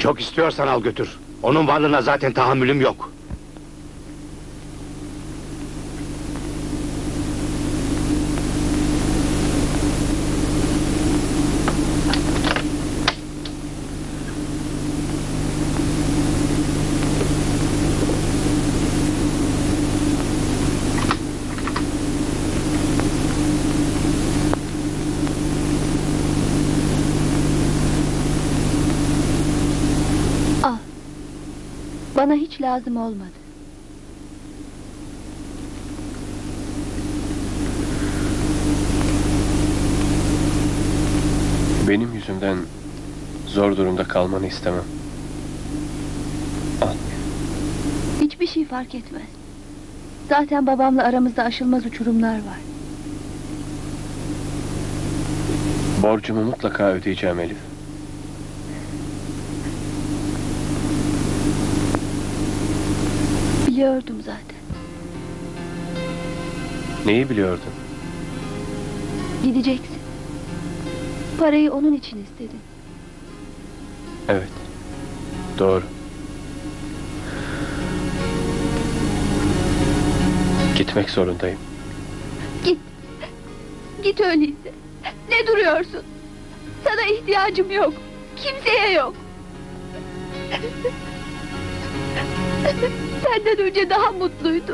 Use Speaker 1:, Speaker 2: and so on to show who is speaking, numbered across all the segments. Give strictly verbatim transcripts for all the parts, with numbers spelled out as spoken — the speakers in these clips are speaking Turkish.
Speaker 1: Çok istiyorsan al götür. Onun varlığına zaten tahammülüm yok.
Speaker 2: Bana hiç lazım olmadı.
Speaker 3: Benim yüzümden zor durumda kalmanı istemem. Al.
Speaker 2: Hiçbir şey fark etmez. Zaten babamla aramızda aşılmaz uçurumlar var.
Speaker 3: Borcumu mutlaka ödeyeceğim Elif.
Speaker 2: Biliyordum zaten.
Speaker 3: Neyi biliyordun?
Speaker 2: Gideceksin. Parayı onun için istedin.
Speaker 3: Evet. Doğru. Gitmek zorundayım.
Speaker 2: Git. Git öyleyse. Ne duruyorsun? Sana ihtiyacım yok. Kimseye yok. Senden önce daha mutluydum.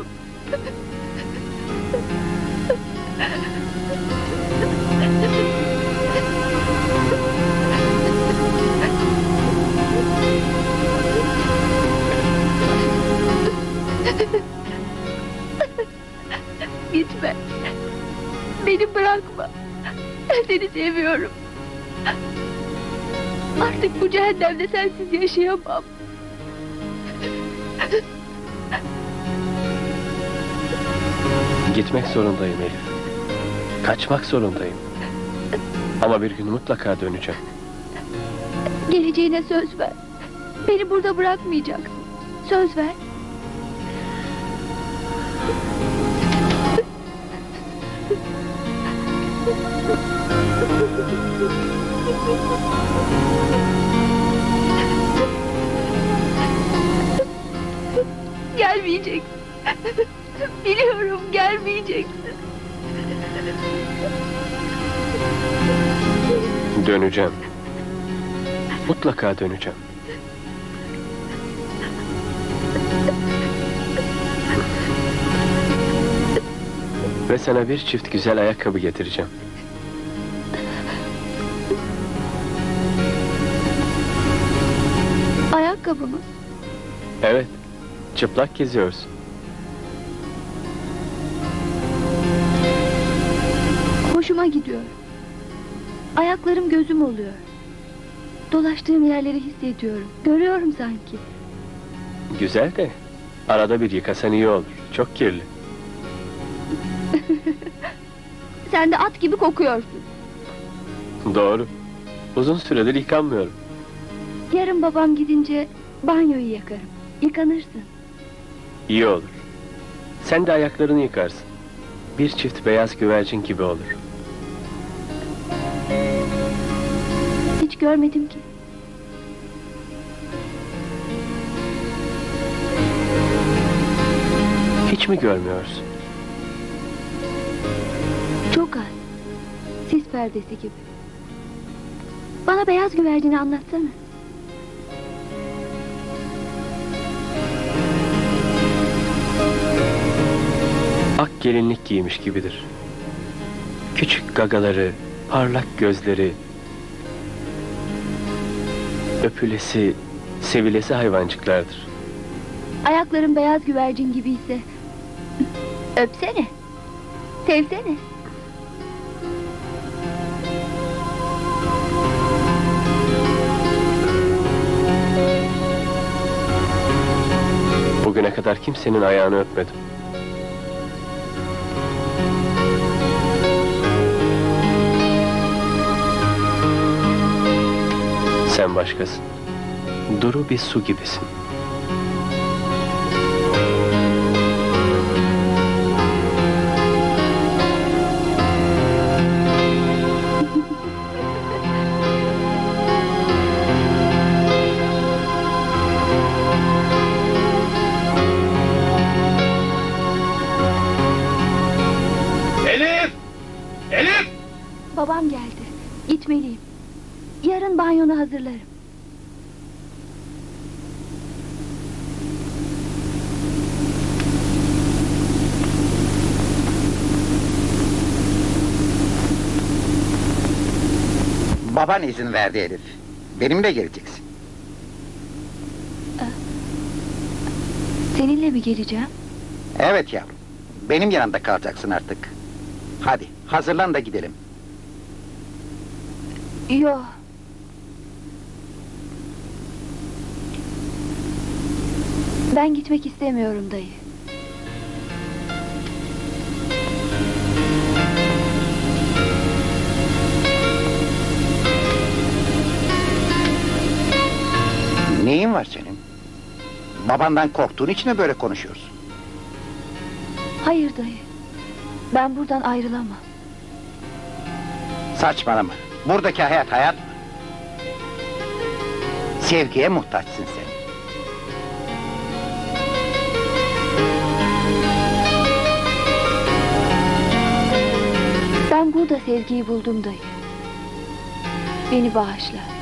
Speaker 2: Gitme. Beni bırakma. Ben seni seviyorum. Artık bu cehennemde sensiz yaşayamam.
Speaker 3: Gitmek zorundayım Elif. Kaçmak zorundayım. Ama bir gün mutlaka döneceğim.
Speaker 2: Geleceğine söz ver. Beni burada bırakmayacaksın. Söz ver. Gelmeyeceksin. Biliyorum, gelmeyeceksin.
Speaker 3: Döneceğim. Mutlaka döneceğim. Ve sana bir çift güzel ayakkabı getireceğim.
Speaker 2: Ayakkabı mı?
Speaker 3: Evet. Çıplak geziyorsun.
Speaker 2: Hoşuma gidiyor. Ayaklarım gözüm oluyor. Dolaştığım yerleri hissediyorum. Görüyorum sanki.
Speaker 3: Güzel de arada bir yıkasan iyi olur. Çok kirli.
Speaker 2: Sen de at gibi kokuyorsun.
Speaker 3: Doğru. Uzun süredir yıkanmıyorum.
Speaker 2: Yarın babam gidince banyoyu yakarım. Yıkanırsın.
Speaker 3: İyi olur. Sen de ayaklarını yıkarsın. Bir çift beyaz güvercin gibi olur.
Speaker 2: Hiç görmedim ki.
Speaker 3: Hiç mi görmüyorsun?
Speaker 2: Çok az. Sis perdesi gibi. Bana beyaz güvercini anlatsana.
Speaker 3: Ak gelinlik giymiş gibidir. Küçük gagaları, parlak gözleri, öpülesi, sevilesi hayvancıklardır.
Speaker 2: Ayakların beyaz güvercin gibiyse öpsene. Sevsene.
Speaker 3: Bugüne kadar kimsenin ayağını öpmedim. Sen başkasın. Duru bir su gibisin.
Speaker 2: Babam geldi. Gitmeliyim. Yarın banyonu hazırlarım.
Speaker 4: Baban izin verdi Elif. Benimle geleceksin.
Speaker 2: Seninle mi geleceğim?
Speaker 4: Evet yavrum. Benim yanımda kalacaksın artık. Hadi hazırlan da gidelim.
Speaker 2: Yo. Ben gitmek istemiyorum dayı.
Speaker 4: Neyin var senin? Babandan korktuğun için mi böyle konuşuyorsun?
Speaker 2: Hayır dayı. Ben buradan ayrılamam.
Speaker 4: Saçmalama. Buradaki hayat hayat mı? Sevgiye muhtaçsın sen.
Speaker 2: Ben burada sevgiyi buldum dayı. Beni bağışla.